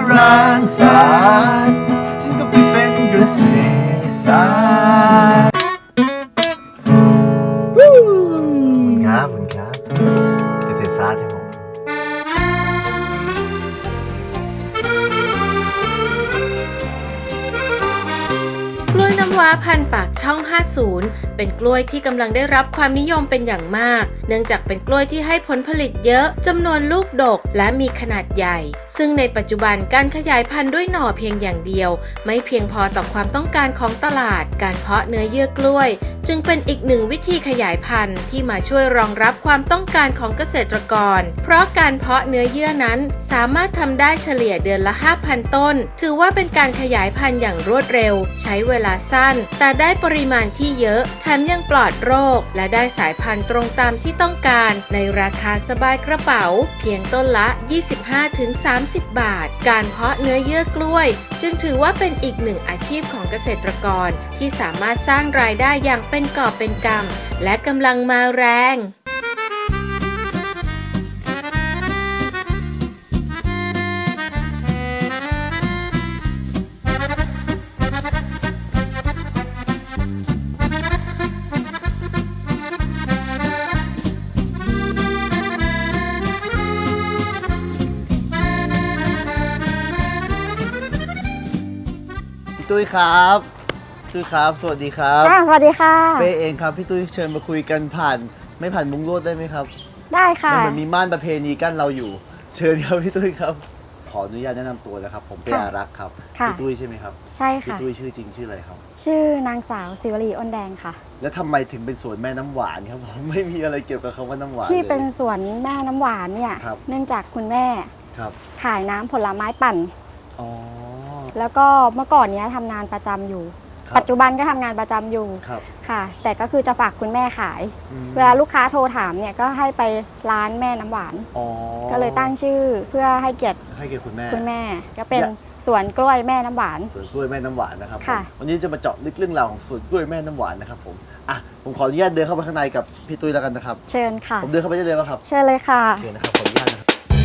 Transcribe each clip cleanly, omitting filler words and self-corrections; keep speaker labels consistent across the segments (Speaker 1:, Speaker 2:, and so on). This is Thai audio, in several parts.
Speaker 1: รังสรรค์ฉันก็ไปเป็นเกษตรศาสตร์ครับคุณครับเกษตรศาสตร์ครับผม
Speaker 2: กล้วยน้ำว้าพันธุ์ปากช่อง 50 เป็นกล้วยที่กำลังได้รับความนิยมเป็นอย่างมากเนื่องจากเป็นกล้วยที่ให้ผลผลิตเยอะจำนวนลูกดกและมีขนาดใหญ่ซึ่งในปัจจุบันการขยายพันธุ์ด้วยหน่อเพียงอย่างเดียวไม่เพียงพอต่อความต้องการของตลาดการเพาะเนื้อเยื่อกล้วยจึงเป็นอีกหนึ่งวิธีขยายพันธุ์ที่มาช่วยรองรับความต้องการของเกษตรกรเพราะการเพาะเนื้อเยื่อนั้นสามารถทำได้เฉลี่ยเดือนละ 5,000 ต้นถือว่าเป็นการขยายพันธุ์อย่างรวดเร็วใช้เวลาสั้นแต่ได้ปริมาณที่เยอะแถมยังปลอดโรคและได้สายพันธุ์ตรงตามที่ต้องการในราคาสบายกระเป๋าเพียงต้นละ 25-30 บาทการเพาะเนื้อเยื่อกล้วยจึงถือว่าเป็นอีกหนึ่งอาชีพของเกษตรกรที่สามารถสร้างรายได้อย่างเป็นกอบเป็นกำและกำลังมาแรง
Speaker 1: พี่ตุ้ยครับตุ้ยครับสวัสดีครับ
Speaker 3: สวัสดีค่ะ
Speaker 1: เป้เองครับพี่ตุ้ยเชิญมาคุยกันไม่ผ่านมุ้งลวดได้ไหมครับ
Speaker 3: ได้ค่ะ
Speaker 1: มันเหมือนมีม่านประเพณีกั้นเราอยู่เชิญครับพี่ตุ้ยครับขออนุญาตแนะนำตัวนะครับผมเป้อารักษ์ครับพี่ตุ้ยใช่ไหมครับ
Speaker 3: ใช่
Speaker 1: พี่
Speaker 3: ค่ะ
Speaker 1: ตุ้ยชื่อจริงชื่ออะไรครับ
Speaker 3: ชื่อนางสาวศิวลีอ้นแดงค่ะ
Speaker 1: แล้วทำไมถึงเป็นสวนแม่น้ำหวานครับผมไม่มีอะไรเกี่ยวกับคำว่าน้ำหวาน
Speaker 3: ที่เป็นสวนแม่น้ำหวานเนี่ยเนื่องจากคุณแม่ขายน้ำผลไม้ปั่นแล้วก็เมื่อก่อนนี้ทำงานประจำอยู่ปัจจุบันก็ทำงานประจำอยู่ค่ะแต่ก็คือจะฝากคุณแม่ขายเวลาลูกค้าโทรถามเนี่ยก็ให้ไปร้านแม่น้ำหวานก็เลยตั้งชื่อเพื่อให้เกียรติคุณแม่ก็เป็นสวนกล้วยแม่น้ำหวาน
Speaker 1: สวนกล้วยแม่น้ำหวานนะครับวันนี้จะมาเจาะลึกเรื่องราวของสวนกล้วยแม่น้ำหวานนะครับผมขออนุญาตเดินเข้าไปข้างในกับพี่ตุ้ยแล้วกันนะครับ
Speaker 3: เชิญค่ะ
Speaker 1: ผมเดินเข้าไปได้เลยไหมครับ
Speaker 3: เชิญเลยค่ะ
Speaker 1: เชิญนะครับขออนุญาตนะครับ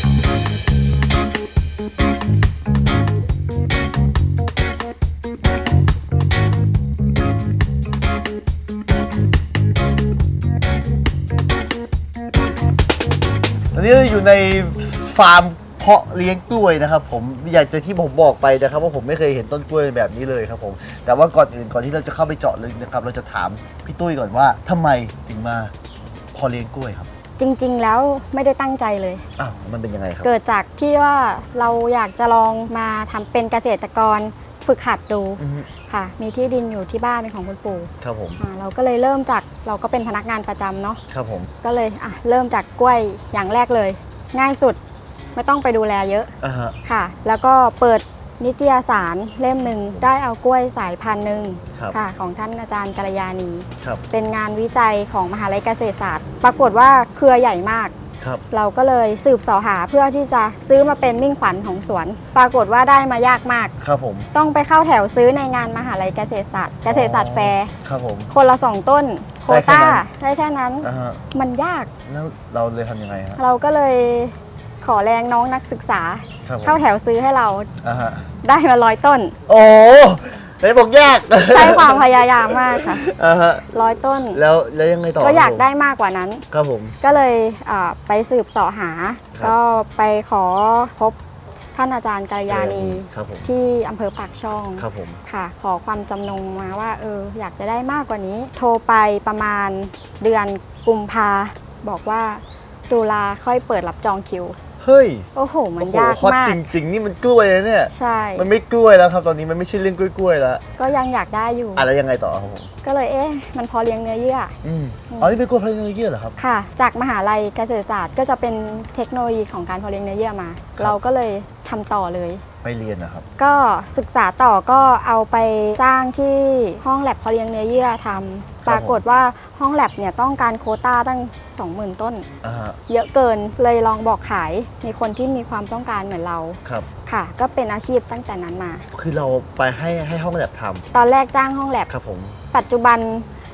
Speaker 1: ตอนนี้เราอยู่ในฟาร์มเพาะเลี้ยงกล้วยนะครับผมอยากจะที่ผมบอกไปนะครับว่าผมไม่เคยเห็นต้นกล้วยแบบนี้เลยครับผมแต่ว่าก่อนที่เราจะเข้าไปเจาะลึกนะครับเราจะถามพี่ตุ้ยก่อนว่าทำไมถึงมาเพาะเลี้ยงกล้วยครับ
Speaker 3: จริงๆแล้วไม่ได้ตั้งใจเลย
Speaker 1: มันเป็นยังไงครับ
Speaker 3: เกิดจากที่ว่าเราอยากจะลองมาทำเป็นเกษตรกรฝึกหัดดูค่ะมีที่ดินอยู่ที่บ้านเป็นของคุณปู่
Speaker 1: ครับผม
Speaker 3: เราก็เลยเริ่มจากเราก็เป็นพนักงานประจำเนาะ
Speaker 1: ครับผม
Speaker 3: ก็เลยเริ่มจากกล้วยอย่างแรกเลยง่ายสุดไม่ต้องไปดูแลเยอะค่ะแล้วก็เปิดนิตยสารเล่มหนึ่งได้เอากล้วยสายพันธุ์หนึ่งค่ะของท่านอาจารย์กัลยาณีเป็นงานวิจัยของมหาวิทยาลัยเกษตรศาสตร์ปรากฏว่าเครือใหญ่มากเราก็เลยสืบเสาะหาเพื่อที่จะซื้อมาเป็นมิ่งขวัญของสวนปรากฏว่าได้มายากมาก
Speaker 1: ครับผม
Speaker 3: ต้องไปเข้าแถวซื้อในงานมหาวิทยาลัยเกษตรศาสตร์แฟร์
Speaker 1: ครับผม
Speaker 3: คนละ2ต้นโควต้าได้แค่นั้นมันยาก
Speaker 1: แล้วเราเลยทำยังไงฮะ
Speaker 3: เราก็เลยขอแรงน้องนักศึกษาเข้าแถวซื้อให้เราได้มา100 ต้น
Speaker 1: โอ้ไหนบอกยาก
Speaker 3: ใช้ความพยายามมากค่ะ100 ต้น
Speaker 1: แล้วยังไงต่อ
Speaker 3: ก็อยากได้มากกว่านั้น
Speaker 1: ครับผม
Speaker 3: ก็เลยไปสืบเสาะหาก็ไปขอพบท่านอาจารย์กัลยาณีที่อำเภอปากช่องค่ะขอความจำนงมาว่าอยากจะได้มากกว่านี้โทรไปประมาณเดือนกุมภาบอกว่าตุลาค่อยเปิดรับจองคิว
Speaker 1: เฮ้ย
Speaker 3: โอ้โหมันยากมาก
Speaker 1: จริงๆนี่มันกล้วยนะเนี่ย
Speaker 3: ใช่
Speaker 1: มันไม่กล้วยแล้วครับตอนนี้มันไม่ใช่เรื่องกล้วยๆแล้ว
Speaker 3: ก็ยังอยากได้อยู่
Speaker 1: อะไรยังไงต่อครับผม
Speaker 3: ก็เลยมันพอเลี้ยงเนื้อเยื่อ
Speaker 1: นี่เป็นกล้วยเพาะเลี้ยงเนื้อเยื่อเหรอครับ
Speaker 3: ค่ะจากมหาลัยเกษตรศาสตร์ก็จะเป็นเทคโนโลยีของการเพาะเลี้ยงเนื้อเยื่อมาเราก็เลยทำต่อเลย
Speaker 1: ไปเรียนนะครับ
Speaker 3: ก็ศึกษาต่อก็เอาไปจ้างที่ห้องแลบเพาะเลี้ยงเนื้อเยื่อทำปรากฏว่าห้องแลบเนี่ยต้องการโควต้าตั้ง 20,000 ต้นเยอะเกินเลยลองบอกขายมีคนที่มีความต้องการเหมือนเราค่ะก็เป็นอาชีพตั้งแต่นั้นมา
Speaker 1: คือเราไปให้ห้องแลบทำ
Speaker 3: ตอนแรกจ้างห้องแลบ
Speaker 1: ครับผม
Speaker 3: ปัจจุบัน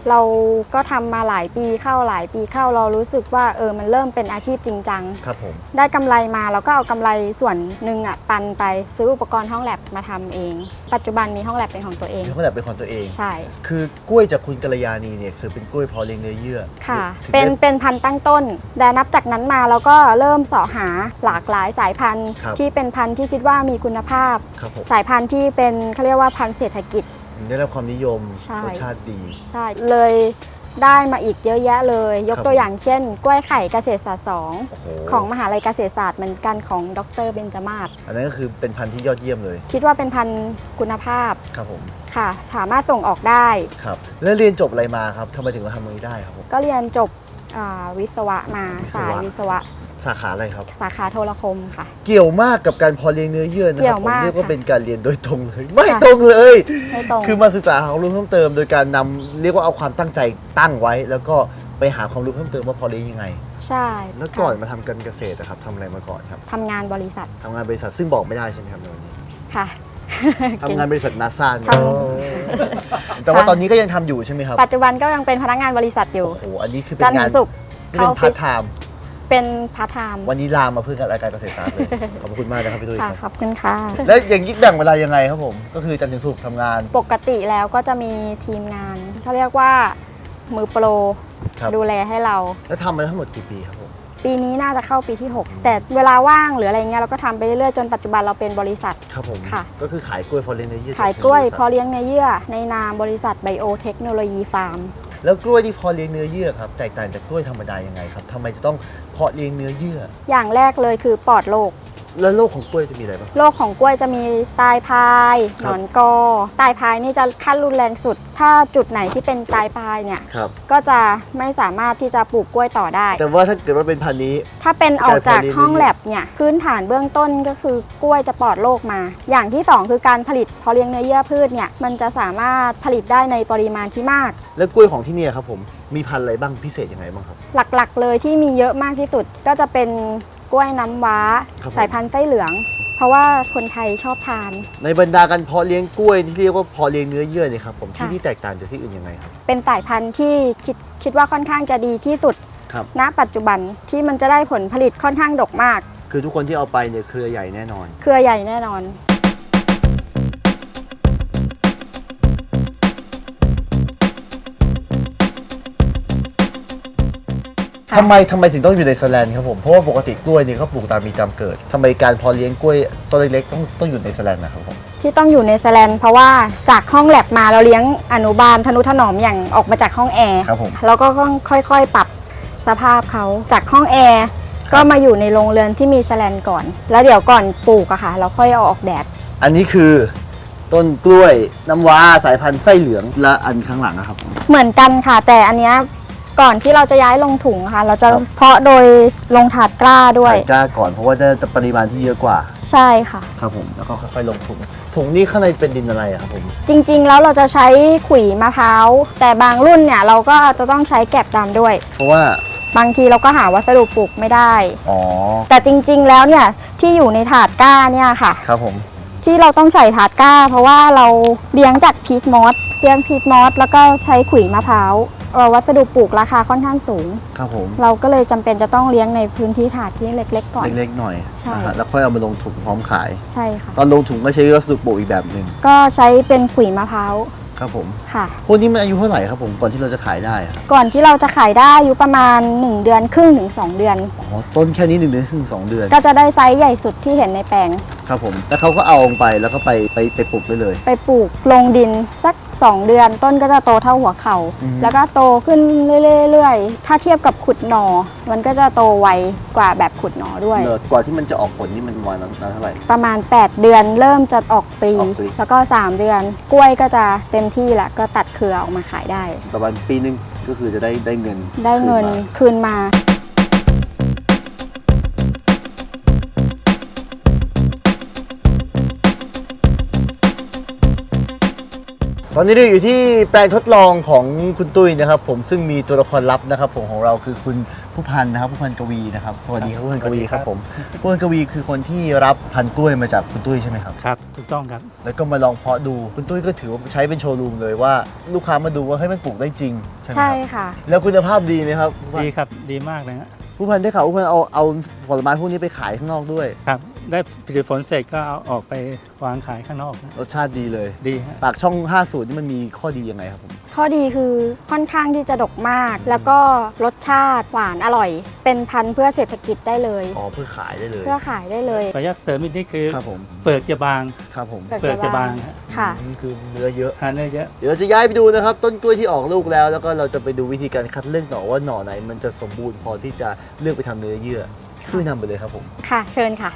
Speaker 3: เราก็ทำมาหลายปีเข้าเรารู้สึกว่ามันเริ่มเป็นอาชีพจริงจัง
Speaker 1: ครับผม
Speaker 3: ได้กำไรมาเราก็เอากำไรส่วนหนึ่งปันไปซื้ออุปกรณ์ห้องแลบมาทำเอง ปัจจุบันมีห้องแลบเป็นของตัวเอง
Speaker 1: มีคนแบบเป็นของตัวเอง
Speaker 3: ใช่
Speaker 1: คือกล้วยจากคุณกัลยาณีเนี่ยคือเป็นกล้วยเพาะเลี้ยงเนื้อเยื่อ
Speaker 3: ค่ะ
Speaker 1: ถึง
Speaker 3: เป็น
Speaker 1: ได้
Speaker 3: เป็นพันธุ์ตั้งต้นแต่นับจากนั้นมาเราก็เริ่มเสาะหาหลากหลายสายพันธุ์
Speaker 1: ครับ
Speaker 3: ที่เป็นพันธุ์ที่คิดว่ามีคุณภาพ
Speaker 1: ครับผม
Speaker 3: สายพันธุ์ที่เป็นเขาเรียกว่าพันธุ์เศรษฐกิจ
Speaker 1: ได้รับความนิยม
Speaker 3: ใช่
Speaker 1: รสชาติดี
Speaker 3: ใช่เลยได้มาอีกเยอะแยะเลย ยก
Speaker 1: ครับ
Speaker 3: ตัวอย่างเช่น กล้วยไข่เกษตรศาสตร์
Speaker 1: โอ้โห
Speaker 3: 2ของมหาลัยเกษตรศาสตร์เหมือนกันของดรเบญจมาศ
Speaker 1: อันนั้นก็คือเป็นพันธุ์ที่ยอดเยี่ยมเลย
Speaker 3: คิดว่าเป็นพันธุ์คุณภาพ
Speaker 1: ครับผม
Speaker 3: ค่ะ สามารถส่งออกได้
Speaker 1: ครับแล้วเรียนจบอะไรมาครับทำไมถึงมาทำตรงนี้ได้ครับผม
Speaker 3: ก็เรียนจบวิศวะมา
Speaker 1: วิศวะ
Speaker 3: สายวิศวะ
Speaker 1: สาขาอะไรครับ
Speaker 3: สาขาโทรคมค่ะ
Speaker 1: เกี่ยวมากกับการเพาะเลี้ยงเนื้อเยื่อนะ
Speaker 3: เกี่
Speaker 1: ค
Speaker 3: ย
Speaker 1: รับ
Speaker 3: ว
Speaker 1: ผม
Speaker 3: มาก
Speaker 1: เรียกว่า
Speaker 3: ค่ะ
Speaker 1: เป็นการเรียนโดยตรงเลย ไม่
Speaker 3: ค่ะ
Speaker 1: ตรงเลย
Speaker 3: ไม่ตรง
Speaker 1: คือมาศึกษาหาความรู้เพิ่มเติม โดยการนำเรียกว่าเอาความตั้งใจตั้งไว้ แล้วก็ไปหาความรู้เพิ่มเติมว่าเพาะเลี้ยงยังไง
Speaker 3: ใช่
Speaker 1: แล้วก่อน
Speaker 3: ค่ะ
Speaker 1: มาทำการเกษตรนะครับทำอะไรมาก่อนครับ
Speaker 3: ทำงานบริษัท
Speaker 1: ทำงานบริษัทซึ่งบอกไม่ได้ใช่ไหมครับในวันนี้
Speaker 3: ค่ะ
Speaker 1: ทำงานบริษัทนาซา
Speaker 3: ท
Speaker 1: แต่ว่าตอนนี้ก็ยังทำอยู่ใช่ไหมครับ
Speaker 3: ปัจจุบันก็ยังเป็นพนักงานบริษัทอยู่
Speaker 1: โอ้โหอันนี้คือเป็
Speaker 3: จัน
Speaker 1: น
Speaker 3: ทร์
Speaker 1: งา
Speaker 3: ถึ
Speaker 1: น
Speaker 3: งศุกร์
Speaker 1: นี่เป็น
Speaker 3: เข้า
Speaker 1: พาร์ทไทม์
Speaker 3: เป็นพาร์ทไทม์
Speaker 1: วันนี้ลามาเพื่อการรายการเกษตรศาสตร์เลย ขอบคุณมากนะครับพี่ตุ้ย
Speaker 3: ค่ะ
Speaker 1: ครับ
Speaker 3: ขอบคุณค่ะ
Speaker 1: แล้วอย่างนี้แบ่งเวลายังไงครับผม ก็คือจันทร์ถึงศุกร์ทำงาน
Speaker 3: ปกติแล้วก็จะมีทีมงานเขาเรียกว่ามือโปร
Speaker 1: ครับ
Speaker 3: ดูแลให้เรา
Speaker 1: แล้วทำมาทั้งหมดกี่ปีครับผม
Speaker 3: ปีนี้น่าจะเข้าปีที่ 6 แต่เวลาว่างหรืออะไรเงี้ยเราก็ทำไปเรื่อยๆจนปัจจุบันเราเป็นบริษัท
Speaker 1: ครับผม
Speaker 3: ค่ะ
Speaker 1: ก็คือขายกล้วยเพาะเลี้ยงเนื้อเยื่อ
Speaker 3: ขายกล้วย
Speaker 1: จาก
Speaker 3: เพาะเลี้ยงเนื้อเยื่อในนามบริษัทไบโอเทคโนโลยีฟาร์ม
Speaker 1: แล้วกล้วยที่เพาะเลี้ยงเนื้อเยื่อครับแตกต่างจากกล้วยธรรมดายังไงครับทำไมจะต้องเพาะเลี้ยงเนื้อเยื่อ
Speaker 3: อย่างแรกเลยคือปลอดโรค
Speaker 1: แล้วโรคของกล้วยจะมีอะไรบ้าง
Speaker 3: โรคของกล้วยจะมีตายพาย
Speaker 1: ค
Speaker 3: ห
Speaker 1: รับ
Speaker 3: นอนกอตายพายนี่จะขั้นรุนแรงสุด ถ้าจุดไหนที่เป็นตายพายเนี่ย
Speaker 1: ครับ
Speaker 3: ก็จะไม่สามารถที่จะปลูกกล้วยต่อได้
Speaker 1: แต่ว่าถ้าเกิดว่าเป็นพันธุ์นี้
Speaker 3: ถ้าเป็นออกจาก
Speaker 1: การเพาะเลี้ยง
Speaker 3: ห้องแลบเนี่ยพื้นฐานเบื้องต้นก็คือกล้วยจะปลอดโรคมา อย่างที่ 2 คือการผลิตเพาะเลี้ยงเนื้อเยื่อพืชเนี่ยมันจะสามารถผลิตได้ในปริมาณที่มาก
Speaker 1: แล้วกล้วยของที่เนี่ยครับผมมีพันธุ์อะไรบ้างพิเศษยังไงบ้างครับ
Speaker 3: หลักๆเลยที่มีเยอะมากที่สุดก็จะเป็นกล้วยน้ำว้า
Speaker 1: ครับผม
Speaker 3: สายพันธุ์ไส้เหลือง เพราะว่าคนไทยชอบทาน
Speaker 1: ในบรรดาการเพาะเลี้ยงกล้วยที่เรียกว่าเพาะเลี้ยงเนื้อเยื่อเนี่ยครับผมที่
Speaker 3: ค่ะ
Speaker 1: ที่แตกต่างจากที่อื่นยังไงครับ
Speaker 3: เป็นสายพันธุ์ที่คิดว่าค่อนข้างจะดีที่สุด
Speaker 1: ครับ
Speaker 3: ณปัจจุบันที่มันจะได้ผลผลิตค่อนข้างดกมาก
Speaker 1: คือทุกคนที่เอาไปเนี่ยเครือใหญ่แน่นอน
Speaker 3: เครือใหญ่แน่นอน ค่ะ
Speaker 1: ทำไมถึงต้องอยู่ในสแลนด์ครับผมเพราะว่าปกติกล้วยเนี่ยเขาปลูกตามมีตามเกิดทำไมการเพาะเลี้ยงกล้วยต้นเล็กๆต้องอยู่ในสแลนด์นะครับผม
Speaker 3: ที่ต้องอยู่ในแสแลนเพราะว่าจากห้องแลบมาเราเลี้ยงอนุบาลทนุถนอมอย่างออกมาจากห้องแอร์
Speaker 1: ครับผม
Speaker 3: แล้วก็ต้องค่อยๆ ปรับสภาพเขาจากห้องแอร์ก็มาอยู่ในโรงเรือนที่มีแสแลนก่อน แล้วเดี๋ยวก่อนปลูกอะค่ะ เราค่อยเอาออกแดด
Speaker 1: อันนี้คือต้นกล้วยน้ำว้าสายพันธุ์ไส้เหลืองและอันข้างหลังนะครับผม
Speaker 3: เหมือนกันค่ะ แต่อันเนี้ยก่อนที่เราจะย้ายลงถุงค่ะ เราจะ
Speaker 1: ครับ
Speaker 3: เพาะโดยลงถาดกล้าด้วย
Speaker 1: ใส่กล้าก่อนเพราะว่าจะปริมาณที่เยอะกว่า
Speaker 3: ใช่ค่ะ
Speaker 1: ครับผมแล้วก็ค่อยๆลงถุงนี้ข้างในเป็นดินอะไรอะครับผม
Speaker 3: จริงๆ แล้วเราจะใช้ขุยมะพร้าวแต่บางรุ่นเนี่ยเราก็จะต้องใช้แกบดำด้วย
Speaker 1: เพราะว่า
Speaker 3: บางทีเราก็หาวัสดุปลูกไม่ได้
Speaker 1: อ๋อ
Speaker 3: แต่จริงๆ แล้วเนี่ยที่อยู่ในถาดก้าเนี่ยค่ะ
Speaker 1: ครับผม
Speaker 3: ที่เราต้องใส่ถาดก้า เพราะว่าเราเลี้ยงจากพีทมอสแล้วก็ใช้ขุยมะพร้าววัสดุปลูกราคาค่อนข้างสูง
Speaker 1: ครับผม
Speaker 3: เราก็เลยจำเป็นจะต้องเลี้ยงในพื้นที่ถาดที่เล็กๆก่อน
Speaker 1: เล็กๆหน่อย
Speaker 3: ใช่
Speaker 1: นะฮะแล้วค่อยเอามาลงถุงพร้อมขาย
Speaker 3: ใช่ค่ะ
Speaker 1: ตอนลงถุงก็ใช้วัสดุปลูกอีกแบบหนึ่ง
Speaker 3: ก็ใช้เป็นขุยมะพร้าว
Speaker 1: ครับผม
Speaker 3: ค่ะ
Speaker 1: พวกนี้มันอายุเท่าไหร่ครับผมก่อนที่เราจะขายได้อะ
Speaker 3: ก่อนที่เราจะขายได้อายุประมาณ1 เดือนครึ่งถึง 2 เดือน
Speaker 1: อ๋อต้นแค่นี้1 เดือนถึง2 เดือน
Speaker 3: ก็จะได้ไซส์ใหญ่สุดที่เห็นในแปลง
Speaker 1: ครับผมแล้วเขาก็เอาลงไปแล้วก็ไปปลูกได้เลย
Speaker 3: ไปปลูกลงดินสัก 2 เดือน ต้นก็จะโตเท่าหัวเข่า
Speaker 1: อืม
Speaker 3: แล้วก็โตขึ้นเรื่อยๆ ถ้าเทียบกับขุดหน่อ มันก็จะโตไวกว่าแบบขุดหน่อด้วย
Speaker 1: กว่าที่มันจะออกผลนี่มันวันนานเท่าไหร่
Speaker 3: ประมาณ 8 เดือนเริ่มจะออกปลี
Speaker 1: ออกปลี
Speaker 3: แล้วก็ 3 เดือน กล้วยก็จะเต็มที่แล้วก็ตัดเครือออกมาขายได้
Speaker 1: ประมาณปีนึงก็คือจะได้เงิน
Speaker 3: ได้เงิน
Speaker 1: คืมา
Speaker 3: คืนมา
Speaker 1: ตตอนนี้เราอยู่ที่แปลงทดลองของคุณตุ้ยนะครับผมซึ่งมีตัวละครลับนะครับผมของเราคือคุณผู้พันนะครับผู้พันกวีนะครับสวัสดีครับผู้พันกวีครับผมผู้พันกวีคือคนที่รับพันธุ์กล้วยมาจากคุณตุ้ยใช่ไหมครับ
Speaker 4: ครับถูกต้องครับ
Speaker 1: แล้วก็มาลองเพาะดูคุณตุ้ยก็ถือว่าใช้เป็นโชว์รูมเลยว่าลูกค้ามาดูว่าให้ยมันปลูกได้จริงใช่ไหม
Speaker 3: ใช่
Speaker 1: ครับ
Speaker 3: ค่ะ
Speaker 1: แล้วคุณภาพดีไหมครับผู้พัน
Speaker 4: ดีครับดีมากเลยฮะ
Speaker 1: ผู้พันได้ข่าวผู้พันเอาผลไม้พวกนี้ไปขายข้างนอกด้วย
Speaker 4: ครับได้ผลิตผลเสร็จก็เอาออกไปวางขายข้างนอกนะ
Speaker 1: รสชาติดีเลย
Speaker 4: ดีฮะ
Speaker 1: ปากช่อง 50 นี่มันมีข้อดียังไงครับผม
Speaker 3: ข้อดีคือค่อนข้างที่จะดกมาก แล้วก็รสชาติหวานอร่อย เป็นพันธุ์เพื่อเศรษฐกิจได้เลย
Speaker 1: อ๋อเพื่อขายได้เลย
Speaker 3: เพื่อขายได้เลย
Speaker 4: ขออนุญาตเสริมอีกนิดคือ
Speaker 1: ครับผม
Speaker 4: เปลือกจะบาง
Speaker 1: ครับผม
Speaker 3: เปลือก
Speaker 4: เปลือกจะบางฮะ
Speaker 3: ค่ะ
Speaker 1: นี่คือเนื้อเยอะ
Speaker 4: ทานได้เยอะ
Speaker 1: เดี๋ยวเราจะย้ายไปดูนะครับต้นกล้วยที่ออกลูกแล้วแล้วก็เราจะไปดูวิธีการคัดเลือกหน่อว่าหน่อไหนมันจะสมบูรณ์พอที่จะเลือกไปทำเนื้อเยื่อช่วยนำไปเลยครับผม
Speaker 3: ค่ะ เชิญค่ะ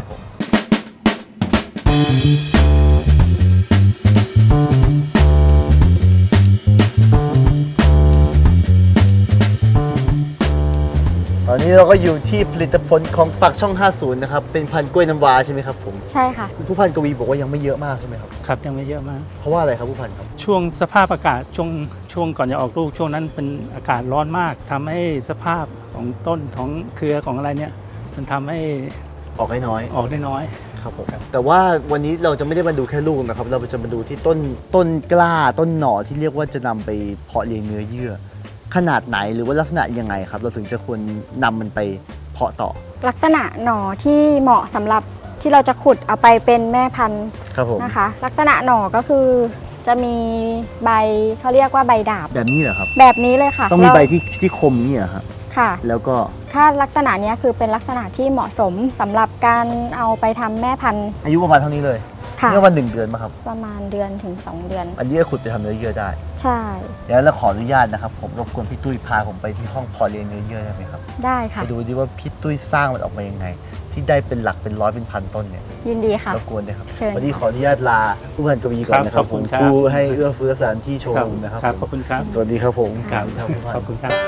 Speaker 1: ตอนนี้เราก็อยู่ที่ผลิตผลของปักช่อง 50 นะครับเป็นพันธุ์กล้วยน้ำว้าใช่ไหมครับผม
Speaker 3: ใช่ค่ะ
Speaker 1: ผู้พันกวีบอกว่ายังไม่เยอะมากใช่ไหมครับ
Speaker 4: ครับยังไม่เยอะมาก
Speaker 1: เพราะว่าอะไรครับผู้พันครับ
Speaker 4: ช่วงสภาพอากาศช่วงก่อนจะออกลูกช่วงนั้นเป็นอากาศร้อนมากทำให้สภาพของต้นของเครือของอะไรเนี่ยมันทำให้
Speaker 1: ออกให้น้อย
Speaker 4: ออกได้น้อย
Speaker 1: ครับผมแต่ว่าวันนี้เราจะไม่ได้มาดูแค่ลูกนะครับเราจะมาดูที่ต้นกล้าต้นหน่อที่เรียกว่าจะนำไปเพาะเลี้ยงเนื้อเยื่อ ขนาดไหนหรือว่าลักษณะยังไงครับ เราถึงจะควรนำมันไปเพาะต่อ
Speaker 3: ลักษณะหน่อที่เหมาะสำหรับที่เราจะขุดเอาไปเป็นแม่พันธุ์
Speaker 1: ครับผม
Speaker 3: นะคะ ลักษณะหน่อก็คือจะมีใบเขาเรียกว่าใบดาบ
Speaker 1: แบบนี้เหรอครับ
Speaker 3: แบบนี้เลยค่ะ
Speaker 1: ต้องมี
Speaker 3: เรา
Speaker 1: ใบที่คมนี่เหรอครับ
Speaker 3: ค่ะ
Speaker 1: แล้วก็
Speaker 3: ถ้าลักษณะเนี้ยคือเป็นลักษณะที่เหมาะสมสำหรับการเอาไปทำแม่พันธุ์
Speaker 1: อายุประมาณเท่านี้เลย
Speaker 3: ค่ะ
Speaker 1: เมื่อวัน1 เดือนมาครับ
Speaker 3: ประมาณเดือนถึง 2 เดือน
Speaker 1: อันนี้ก็ขุดไปทำเนื้อเยื่อได้
Speaker 3: ใช่
Speaker 1: เดี๋ยวเราขออนุญาตนะครับผมรบกวนพี่ตุ้ยพาผมไปที่ห้องเพาะเลี้ยงเนื้อเยื่อได้ไหมครับ
Speaker 3: ได้ค่ะ
Speaker 1: ไปดูดิว่าพี่ตุ้ยสร้างมันออกมายังไง ที่ได้เป็นหลักเป็นร้อยเป็นพันต้นเนี่ย
Speaker 3: ยินดีค่ะ
Speaker 1: รบกวนนะครับ
Speaker 3: เชิญ
Speaker 1: วันนี้ขออนุญาตลาผู้พันกวีก่อนนะค
Speaker 4: ครั
Speaker 1: รับบ
Speaker 4: ขอบคุณ
Speaker 1: ผม
Speaker 4: ครับ
Speaker 1: ผู้ให้เอื้อเฟื้อสถานที่โชว์รูมนะครับ
Speaker 4: ครับ
Speaker 1: ผม
Speaker 4: ขอบคุณครับ
Speaker 1: สวัสดีครับผม
Speaker 4: ครับ
Speaker 1: ผู้พัน
Speaker 4: ขอบคุณครับ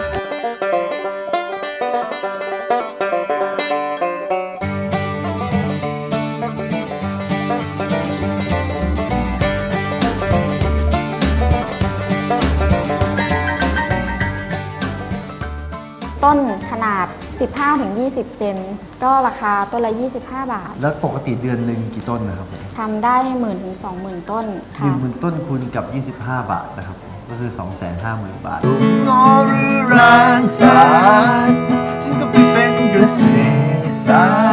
Speaker 3: ต้นขนาด 15-20 เซนก็ราคาต้นละ 25 บาท
Speaker 1: แล้วปกติเดือนหนึ่งกี่ต้นนะครับผม
Speaker 3: ทำได้ 10,000 ถึง 20,000 ต้น
Speaker 1: ห
Speaker 3: ค่ะ
Speaker 1: นึ่งต้นคูณกับ 25 บาทนะครับผมก็คือ 250,000 บาท
Speaker 5: งอหรือรางสารฉันก็ไปเป็นเกษตรศาสตร์